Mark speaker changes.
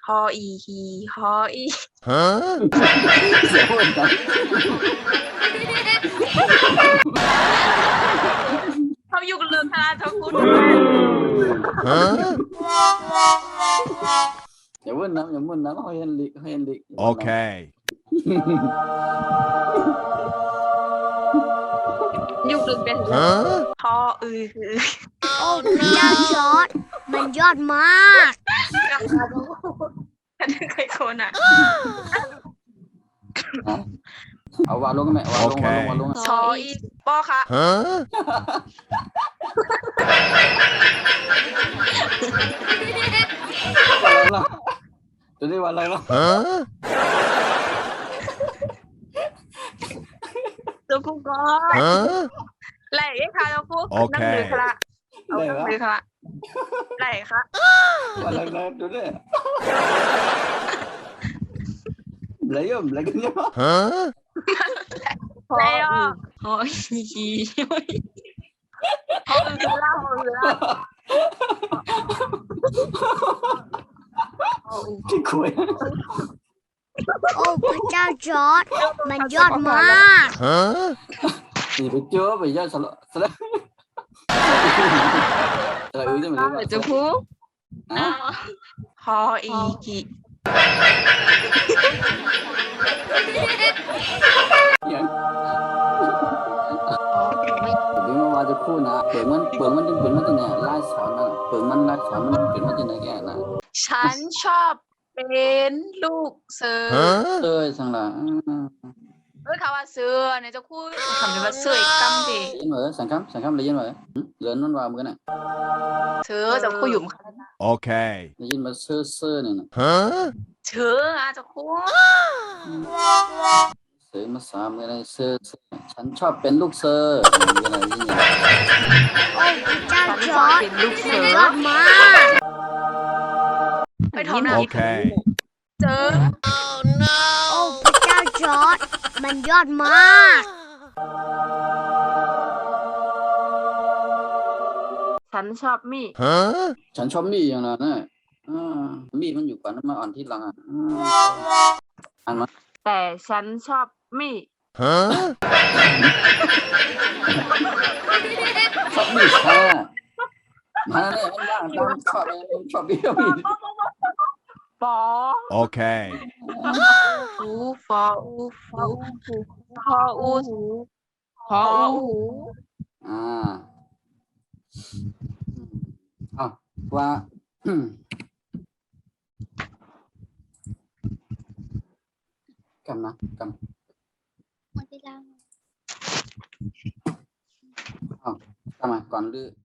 Speaker 1: ฮออีฮีฮออี
Speaker 2: Huh?
Speaker 3: เสียงคนจัง
Speaker 1: เขาอยู่กับเรื่องคณะเจ้าคุณ
Speaker 2: Huh?
Speaker 3: อย่าวุ่นน้ำอย่าวุ่นน้ำเขาเห็นลิเขาเห็นลิ
Speaker 2: Okay.
Speaker 1: อยู่กับเป็น
Speaker 2: Huh?
Speaker 1: ฮออือฮือ
Speaker 4: โอ้พระเจ้าจอร์ดมันยอดมาก
Speaker 1: กับคณะเจ้าคุณฉันเคยคนอ่ะ
Speaker 3: เอาวางลงกันไหมวางลงวางลงวางลง
Speaker 1: ชออีปอค่ะ
Speaker 2: Huh?
Speaker 3: จะได้วันอะไรล่ะ
Speaker 2: Huh?
Speaker 1: เจ้าคุณก็
Speaker 2: Huh?
Speaker 1: ไหลค่ะเจ้าคุณ
Speaker 2: โอเค
Speaker 1: นั่งหรือคณะเอานั่งหรือคณะไหลค่ะ
Speaker 3: วันอะไรดูดิเลยย่อมเลยกันย่อ
Speaker 2: Huh?
Speaker 1: ไหลอ่ะฮออีฮีฮออือฮือละฮออือฮือละฮออือ
Speaker 3: ที่คุย
Speaker 4: โอ้พระเจ้าจอร์ดมันยอดมาก
Speaker 2: Huh?
Speaker 3: ตีไปเจอไปย่อสละสละอะไรอุ้ยจะมา
Speaker 1: เดี๋ยวเจ้าคุณ
Speaker 3: อ่ะ
Speaker 1: ฮออีฮี
Speaker 3: อย่างเดี๋ยวมาจะพูดนะเปิดมันจะเป็นมันจะเนี่ยไล่สอนนะเปิดมันไล่สอนมันเป็นมันจะเนี่ยแกนะ
Speaker 1: ฉันชอบเป็นลูกเสือ
Speaker 2: Huh?
Speaker 3: เอ้ยสังละ
Speaker 1: เอ้ยคำว่าเสือเนี่ยเจะพูดคำนี้ว่าเสืออีกคำดิ
Speaker 3: ยินเหรอสังคำเลยยินเหรอเหลือนั่นว่าเหมือนกันน่ะ
Speaker 1: เสือเจะพูดอยู่มั้ง
Speaker 2: Okay.
Speaker 3: ได้ยินมาเซ่อเซ่อเนี่ยนะ
Speaker 2: Huh?
Speaker 1: เสืออ่ะเจะพูด
Speaker 3: เซ่อมาสามอะไรเซ่อฉันชอบเป็นลูกเซ่ออะไรยิน
Speaker 4: โอ้พระเจ้า
Speaker 1: ฉัน
Speaker 4: จ
Speaker 1: ชอ
Speaker 4: อบ ร์ด
Speaker 1: เป็นลูกเสื
Speaker 4: มัน
Speaker 1: อย
Speaker 4: อดมาก
Speaker 1: ไปทำหน้า
Speaker 2: โอเค
Speaker 1: เจอ
Speaker 4: โอ้พระเจ้าจอร์ดมันยอดมาก
Speaker 1: ฉันชอบมี
Speaker 2: Huh?
Speaker 3: ฉันชอบมีอย่างนั้นนะมีมันอยู่ก่อนมาอ่อนที่หลังอ่านมา
Speaker 1: แต่ฉันชอบมี
Speaker 2: Huh?
Speaker 3: ชอบมีค่ะมาเนี่ยมันว่างตามชอบอะไรชอบเบี้ยวมี
Speaker 1: ปอ
Speaker 2: Okay.
Speaker 1: ฟูฟออูฟูพออูพออู
Speaker 3: เอาว่ากันนะกันเอาทำไมก่อนหรือ